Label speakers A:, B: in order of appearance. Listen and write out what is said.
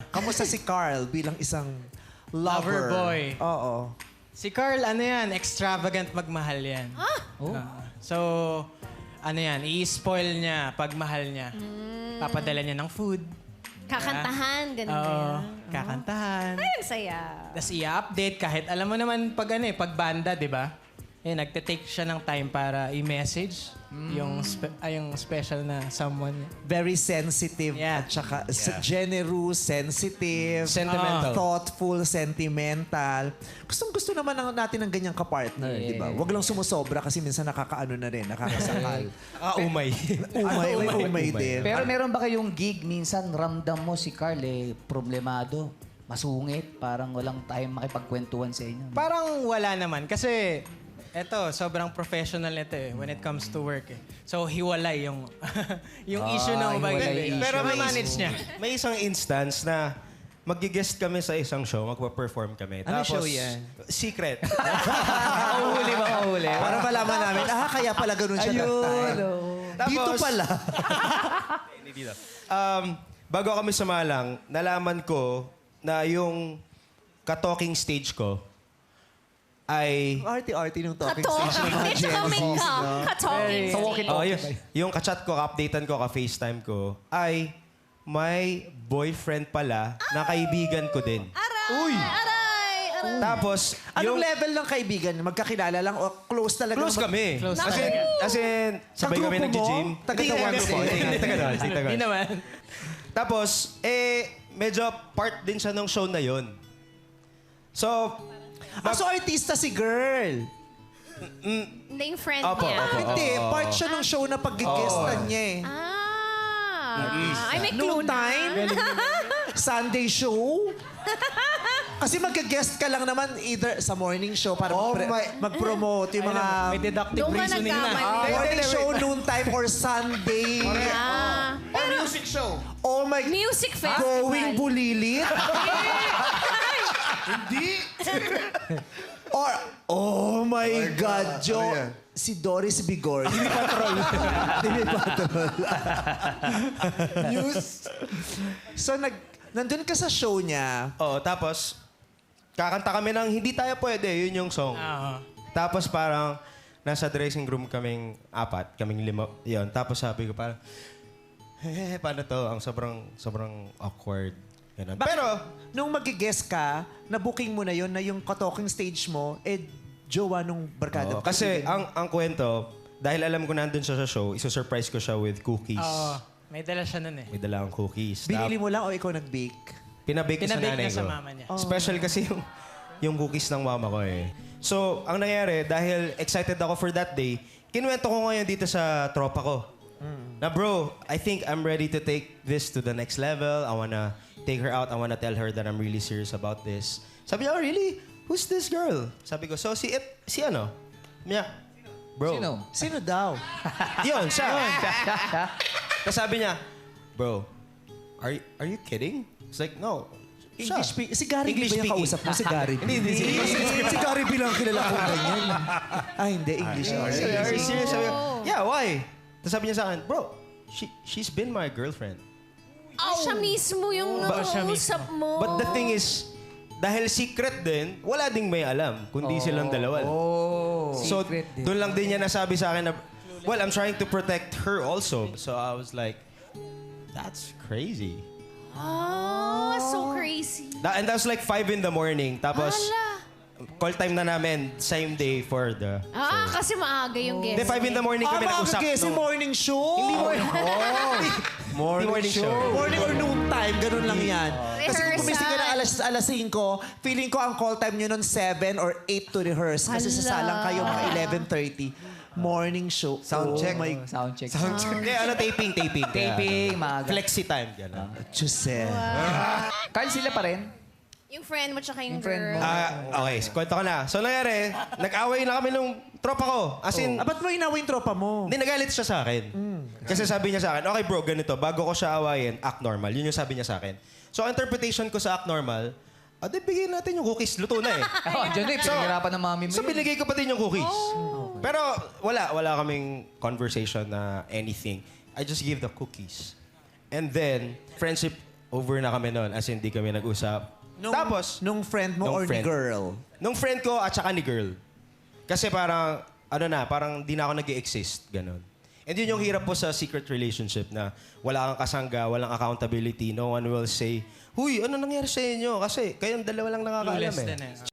A: Kamusta si Carl bilang isang lover?
B: Lover boy.
A: Oo.
B: Si Carl, ano yan, extravagant magmahal yan. So, ano yan, i-spoil niya pag mahal niya. Papadala niya ng food.
C: Kakantahan, ganun ba
B: Oo,
C: yan?
B: kakantahan.
C: Ay, ang saya.
B: Tapos i-update kahit alam mo naman pag ano pag banda, di ba? Nagte-take siya ng time para i-message yung special na someone.
A: Very sensitive
B: Yeah.
A: at saka generous, sensitive,
D: Sentimental.
A: thoughtful, sentimental. Gustong-gusto naman natin ng ganyang kapartner, di ba? Huwag lang sumusobra kasi minsan nakakaano na rin, nakakasakal.
D: Umay.
A: umay din.
E: Pero meron ba kayong gig minsan ramdam mo si Carl problemado, masungit, parang walang time makipagkwentuhan sa inyo?
B: Parang wala naman kasi eto, sobrang professional nito when it comes to work So, hiwalay yung yung issue ng
E: hiwalay issue.
D: Pero
B: manage niya.
D: May isang instance na mag-guest kami sa isang show, magpa-perform kami.
A: Ano
D: Tapos,
A: show yan?
D: Secret.
E: Mahuli ba mahuli?
A: Para malaman namin, kaya pala ganun siya that time. Dito
D: Tapos-
A: pala.
D: Hindi dito. Bago kami sumalang, nalaman ko na yung ka-talking stage ko ay...
A: Arty-arty nung talking
C: Katalking.
A: stage ng mga
C: Hindi, tsaka
A: Gen
C: make
A: Zs,
C: up.
A: no?
C: Katalking.
E: Sa walkie-talkie.
D: yung ka-chat ko, ka-updatean ko, ka-FaceTime ko, ay may boyfriend pala na kaibigan ko din.
C: Aray! Aray!
D: Tapos,
A: Anong level ng kaibigan? Magkakilala lang o close talaga?
D: close kami.
B: Close
D: As in, sabay kami
A: grupo mo?
D: nag-gym.
A: Taga-Taguan
D: Hindi,
A: mo?
D: hindi, taga-doon.
B: Hindi naman.
D: Tapos, medyo part din siya ng show na yon. So,
A: So artista si girl.
C: Hindi yung friend
D: Opo,
C: niya.
D: opo.
A: Hindi, part siya ng show na pag-guestan niya eh.
C: Ay, may clue
A: Noon
C: na.
A: time? Sunday show? Kasi mag-guest ka lang naman either sa morning show para mag-promote yung mga
B: May deductive
C: Doon ka
B: reasoning na.
C: nagkamali.
A: morning show, noon time, or Sunday.
C: Or
A: music show. Oh my...
C: music festival.
A: Going bulilit? Or, oh my God, Jo. Si Doris Bigor. Hindi patrol. Hindi patrol. News. So, nandun ka sa show niya.
D: oh, tapos, kakanta kami ng Hindi Tayo Pwede. Yun yung song. Tapos parang, nasa dressing room kaming apat, kaming lima. Yun. Tapos sabi ko parang, paano to? Ang sobrang awkward. Ganun. Pero,
A: Nung mag-guest ka, na-booking mo na yun, na yung talking stage mo, jowa nung barkada.
D: kasi ang kwento, dahil alam ko nandun siya sa show, isusurprise ko siya with cookies.
B: Oo. May dala siya nun
D: May dala akong cookies.
A: Binili mo lang o ikaw nag-bake?
D: Pinabake ko sa
B: Pinabake
D: nanay
B: niya sa
D: ko.
B: mama niya.
D: Special kasi yung cookies ng mama ko eh. So, ang nangyari, dahil excited ako for that day, kinuwento ko ngayon dito sa tropa ko. Na bro, I think I'm ready to take this to the next level. I wanna take her out. I wanna tell her that I'm really serious about this. Sabi niya, oh really? Who's this girl? Sabi ko, so si ano? Niya, bro.
E: Sino?
A: Sino daw?
D: Yun, siya. Tapos sabi niya, bro, are you kidding? It's like, no. Siya.
A: Si Gary
D: English
A: B ba yung
D: speaking.
A: kausap mo? Si Gary B.
D: Hindi.
A: Si Gary B lang kilala ko ganyan. Hindi. English.
D: Are you serious? Sabi ko, yeah, why? Tapos sabi niya sa akin, bro, she's been my girlfriend.
C: Siya mismo yung nakausap mo.
D: But the thing is, dahil secret din, wala ding may alam, kundi silang dalawa. So,
E: Secret din.
D: doon lang din niya nasabi sa akin na, well, I'm trying to protect her also. So I was like, that's crazy.
C: So crazy.
D: And that was like 5 in the morning. Tapos,
C: Hala.
D: call time na namin, same day for the...
C: Kasi maaga yung guest.
D: Hindi, 5 in the morning kami nag-usap.
A: Kasi morning show. Hindi
D: Morning show.
A: Morning or noon time, ganun lang yan. Kasi kung
C: Rehearsal.
A: gumising ka na alas 5, feeling ko ang call time nyo nun 7 or 8 to rehearse. Kasi
C: Hala.
A: sasalang kayo mga 11:30. Morning show.
E: Sound check.
A: Oh my
E: Sound check.
D: Kaya taping.
E: Taping, maaga.
D: Flexi time. Gano'n.
A: Jose.
E: Carl, sila pa rin?
C: Yung friend mo tsaka yung
E: friend
C: girl.
E: mo.
D: Okay, kwento ko na. So nangyari, nag-away na kami nung tropa ko. As in,
A: Ba't mo inaway yung tropa mo?
D: hindi, nagalit siya sa akin. Kasi sabi niya sa akin, okay bro, ganito, bago ko siya awayin, act normal. Yun yung sabi niya sa akin. So, ang interpretation ko sa act normal, di bigyan natin yung cookies. Luto na eh.
E: Diyan na pinahirapan ng mami mo.
D: So, binigay ko pa din yung cookies. Pero, wala kaming conversation na anything. I just give the cookies. And then, friendship over na kami noon. As in, di kami nag-usap. Tapos,
A: Nung friend mo
D: Nung
A: or
D: friend.
A: ni girl?
D: nung friend ko at saka ni girl. Kasi parang, parang di na ako nag-exist. Ganon. And yun yung hirap po sa secret relationship na wala kang kasangga, walang accountability, no one will say, "Huy, ano nangyari sa inyo?" Kasi kayong dalawa lang nakakaalam
B: Clueless
D: eh.
B: din eh.